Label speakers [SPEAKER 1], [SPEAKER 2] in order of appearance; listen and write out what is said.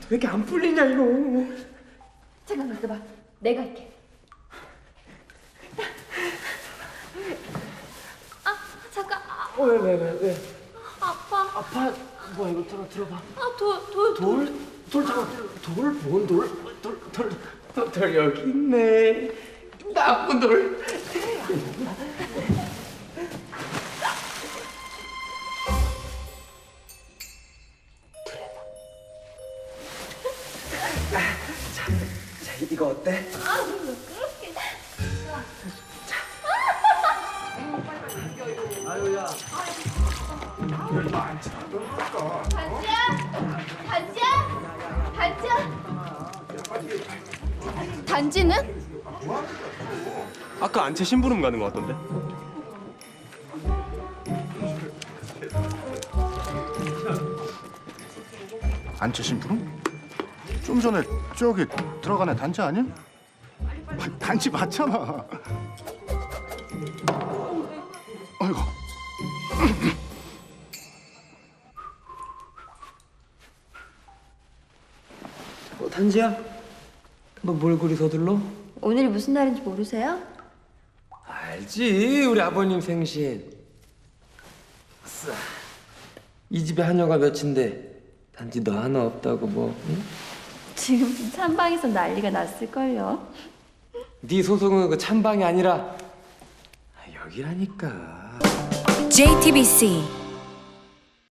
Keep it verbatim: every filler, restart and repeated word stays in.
[SPEAKER 1] 왜 이렇게 안 풀리냐 이거.
[SPEAKER 2] 잠깐만 있어봐. 내가 할게. 아 잠깐. 아,
[SPEAKER 1] 어, 왜, 왜, 왜, 왜?
[SPEAKER 2] 아파.
[SPEAKER 1] 아파? 뭐야, 이거 들어, 들어봐.
[SPEAKER 2] 아돌돌
[SPEAKER 1] 돌? 돌 잡아, 돌, 돌? 뭔 돌? 돌, 돌, 돌, 돌 여기 있네. 나쁜 돌. 자, 자, 이거 어때?
[SPEAKER 2] 아 그렇게.
[SPEAKER 1] 아유야.
[SPEAKER 2] 단지야? 단지야? 단지야? 단지는?
[SPEAKER 3] 아까 안채 심부름 가는 거 같던데?
[SPEAKER 4] 안채 심부름? 좀 전에 저기 들어간 애 단지 아니야? 아, 단지 맞잖아. 아이고.
[SPEAKER 1] 어, 단지야? 너 뭘 그리 서둘러?
[SPEAKER 2] 오늘이 무슨 날인지 모르세요?
[SPEAKER 1] 알지, 우리 아버님 생신. 아싸. 이 집에 하녀가 몇인데 단지 너 하나 없다고 뭐, 응?
[SPEAKER 2] 지금 찬방에서 난리가 났을걸요.
[SPEAKER 1] 네 소송은 그 찬방이 아니라 아, 여기라니까.
[SPEAKER 5] 제이티비씨